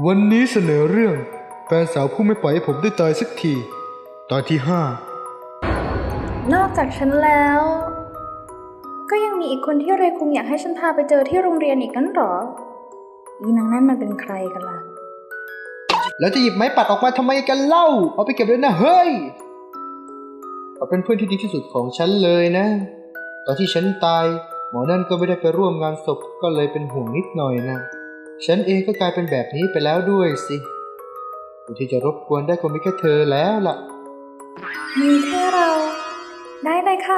วันนี้เสนอเรื่องแฟนสาวผู้ไม่ปล่อยให้ผมได้ตายสักที ตอนที่นอกจากฉันแล้ว ก็ยังมีอีกคนที่เรคุงอยากให้ฉันพาไปเจอที่โรงเรียนอีกนั้นหรออีนางนั่นมันเป็นใครกันล่ะ 5แล้วจะหยิบไม้ปัดออกมาทำไมกันเล่าเอาไปเก็บเลยนะเฮ้ยเขาเป็นเพื่อนที่ดีที่สุดของฉันเลยนะตอนที่ฉันตายหมอนั่นก็ไม่ได้ไปร่วมงานศพก็เลยเป็นห่วงนิดหน่อยนะฉันเองก็กลายเป็นแบบนี้ไปแล้วด้วยสิผู้ที่จะรบกวนได้คงมีแค่เธอแล้วล่ะมีแค่เรา ได้เลยค่ะ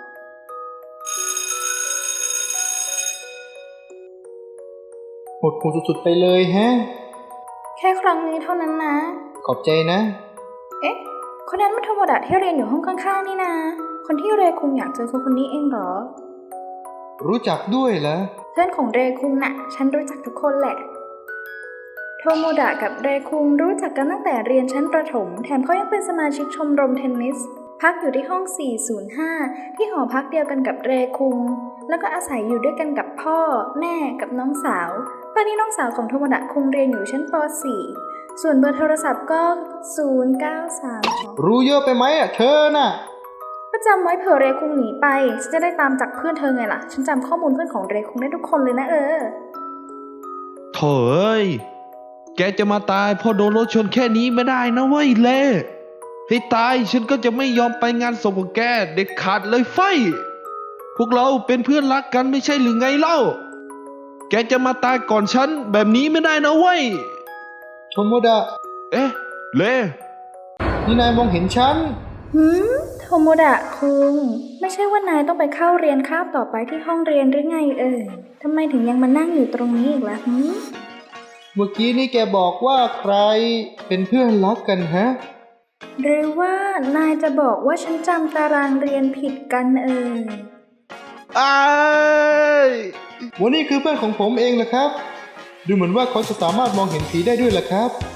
หดหู่สุดๆไปเลยแฮะแค่ครั้งนี้เท่านั้นนะขอบใจนะเอ๊ะ คนนั้นมันโทโมดะที่เรียนอยู่ห้องข้างๆนี่นะคนที่เรคุงอยากเจอคนนี้เองเหรอรู้จักด้วยเหรอเพื่อนของเรคุงน่ะ ฉันรู้จักทุกคนแหละ โทโมดะกับเรคุงรู้จักกันตั้งแต่เรียนชั้นประถม แถมเขายังเป็นสมาชิกชมรมเทนนิส พักอยู่ที่ห้อง 405 ที่หอพักเดียวกันกับเรคุง แล้วก็อาศัยอยู่ด้วยกันกับพ่อ แม่กับน้องสาว ตอนนี้น้องสาวของโทโมดะคุงเรียนอยู่ชั้นป .4 ส่วนเบอร์โทรศัพท์ก็ 0932 รู้เยอะไปไหมเธอน่ะก็จำไว้เผื่อเรคุงหนีไปฉันจะได้ตามจับเพื่อนเธอไงล่ะ ฉันจำข้อมูลเพื่อนของเรคุงได้ทุกคนเลยนะโถ่เอ้ย แกจะมาตายเพราะโดนรถชนแค่นี้ไม่ได้นะเว้ยเล่ให้ตายฉันก็จะไม่ยอมไปงานศพของแกเด็ดขาดเลยไฟ พวกเราเป็นเพื่อนรักกันไม่ใช่หรือไงเล่า แกจะมาตายก่อนฉันแบบนี้ไม่ได้นะเว้ยโทโมดะเอ๊ะ เล่นี่นายมองเห็นฉันโทโมดะคุงไม่ใช่ว่านายต้องไปเข้าเรียนคาบต่อไปที่ห้องเรียนหรือไงทำไมถึงยังมานั่งอยู่ตรงนี้อีกล่ะเมื่อกี้นี่แกบอกว่าใครเป็นเพื่อนรักกันฮะหรือว่านายจะบอกว่าฉันจำตารางเรียนผิดกันอ้ายวันนี้คือเพื่อนของผมเองแหละครับ ดูเหมือนว่าเขาจะสามารถมองเห็นผีได้ด้วยแหละครับ